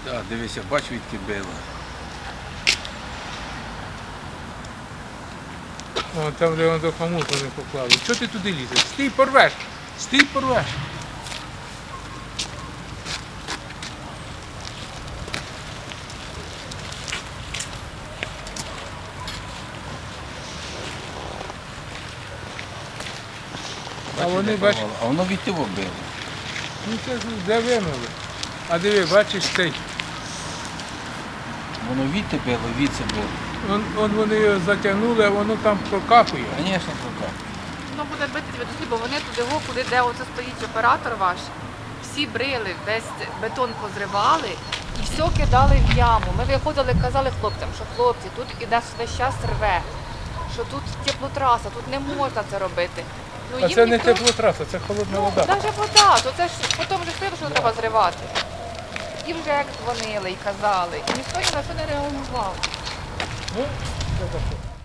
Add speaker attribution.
Speaker 1: Так, дивися, бач, відки било.
Speaker 2: О, там, де воно до хомуту не поклали. Чого ти туди лізеш? Стій, порвеш! Стій, порвеш! А вони, бач,
Speaker 1: А воно від того било.
Speaker 2: ну це ж де винули. А диви, бачиш цей.
Speaker 1: Воно від тебе било, від це било.
Speaker 2: Он вони його затягнули, а воно там прокапує.
Speaker 1: Звісно, пока.
Speaker 3: Воно буде бити тебе до слід, бо вони туди його, куди де оце стоїть оператор ваш, всі брили, весь бетон позривали і все кидали в яму. Ми виходили, казали хлопцям, що хлопці, тут іде весь час рве, що тут теплотраса, тут не можна це робити. Ну,
Speaker 2: А
Speaker 3: їм
Speaker 2: це не
Speaker 3: ніхто-
Speaker 2: теплотраса, це холодна
Speaker 3: Ну,
Speaker 2: вода.
Speaker 3: навіть вода, то це ж потім вже сказали, що треба зривати. Їм вже як дзвонили і казали, і ніхто ні на що не реагував.
Speaker 2: Ну, це таке.